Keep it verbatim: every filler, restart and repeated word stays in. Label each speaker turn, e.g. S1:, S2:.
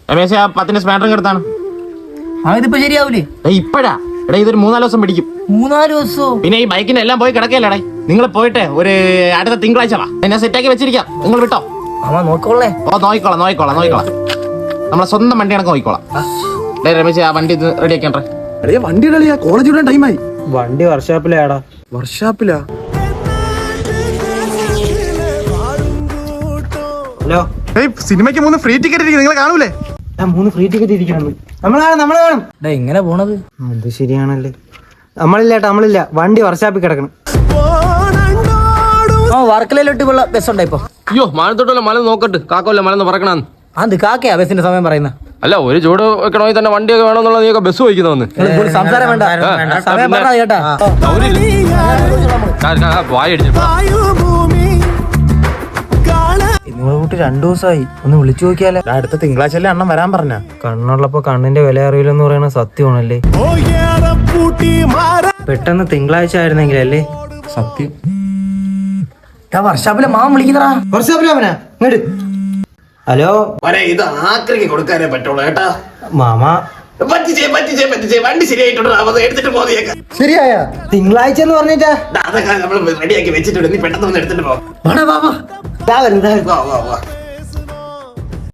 S1: രമേശ് ആ പത്തിന്റെ സ്പാൻഡർ എടുത്താണ്.
S2: അതിപ്പോ ശരിയാവൂലേ?
S1: ഇപ്പഴാ എടാ, ഇതൊരു മൂന്നാല് ദിവസം പിടിക്കും.
S2: മൂന്നാല് ദിവസവും?
S1: പിന്നെ ഈ ബൈക്കിന് എല്ലാം പോയി കിടക്കല്ലേ. നിങ്ങൾ പോയിട്ട് ഒരു അടുത്ത തിങ്കളാഴ്ച വാ, എന്നെ സെറ്റാക്കി വെച്ചിരിക്കാം. നിങ്ങൾ വിട്ടോ.
S2: അമ്മ നോക്കോളേ.
S1: ഓ നോക്കിക്കോളാം നോക്കിക്കോളാം നോക്കിക്കോളാം നമ്മളെ സ്വന്തം വണ്ടി കണക്ക് നോക്കിക്കോളാം. ഡേ രമേശ് ആ വണ്ടി റെഡി ആക്കണ്ടേ?
S3: വണ്ടി കളിയാ, കോളേജ് വിടാൻ ടൈമായി.
S4: വണ്ടി വർക്ക്ഷോപ്പിലാടാ.
S3: വർക്ക്ഷോപ്പിലാ?
S4: ഹലോ,
S3: സിനിമയ്ക്ക് മൂന്ന് ഫ്രീ ടിക്കറ്റ് ഇരിക്കും, നിങ്ങൾ കാണൂലേ?
S4: മൂന്ന് ഫ്രീ ടിക്കറ്റ് ഇരിക്കണം. നമ്മള് കാണും നമ്മള് കാണും.
S2: ഇങ്ങനെ പോണത്
S4: അത് ശരിയാണല്ലേ. നമ്മളില്ല ഏട്ടാ, നമ്മളില്ല. വണ്ടി വർക്ക്ഷോപ്പിൽ കിടക്കണം.
S2: ആ വർക്കലയിലോട്ട് ബസ് ഉണ്ടാ ഇപ്പൊ?
S1: അയ്യോ മാനത്തോട്ടല്ല മല നോക്കട്ട്, കാക്കല്ല മലന്ന് പറക്കണമെന്ന്.
S2: അത് കാക്കയാ ബസിന്റെ സമയം പറയുന്ന?
S1: അല്ല ഒരു ചൂട് വെക്കണമെങ്കിൽ തന്നെ വണ്ടിയൊക്കെ വേണമെന്നുള്ള നീയൊക്കെ ബസ് വഹിക്കുന്നവന്ന്
S2: സംസാരം വേണ്ട, സമയം പറഞ്ഞ കേട്ടാ.
S4: നിങ്ങളെ കൂട്ടി രണ്ടു ദിവസമായി, ഒന്ന് വിളിച്ചു നോക്കിയാലേ.
S3: അടുത്ത തിങ്കളാഴ്ച അണ്ണൻ വരാൻ പറഞ്ഞ.
S4: കണ്ണുള്ളപ്പോ കണ്ണിന്റെ വില അറിയില്ലെന്ന് പറയുന്നത് സത്യമാണല്ലേ. പെട്ടെന്ന് തിങ്കളാഴ്ച ആയിരുന്നെങ്കിലല്ലേ സത്യം.
S2: വർഷാപ്പിലെ മാമൻ വിളിക്കുന്നടാ.
S4: വർഷാപ്പിലാമനാ ഇങ്ങോട്ട്. ഹലോ,
S1: ഇത് ആക്രിക്ക് കൊടുക്കാനേ പറ്റുള്ളൂ കേട്ടാ.
S4: മാമ
S1: പറ്റിച്ചേ പറ്റിച്ചേ പറ്റിച്ചേ വണ്ടി ശരിയായിട്ടുണ്ട്, എടുത്തിട്ട് പോയേക്കാം.
S4: ശരിയായ തിങ്കളാഴ്ച എന്ന് പറഞ്ഞിട്ടാ
S1: അതൊക്കെ നമ്മൾ റെഡിയാക്കി വെച്ചിട്ടുണ്ട്, നീ പെട്ടെന്ന് വന്ന് എടുത്തിട്ട് പോ.
S4: വാ, വാ, വാ.
S1: വാ വാ വാ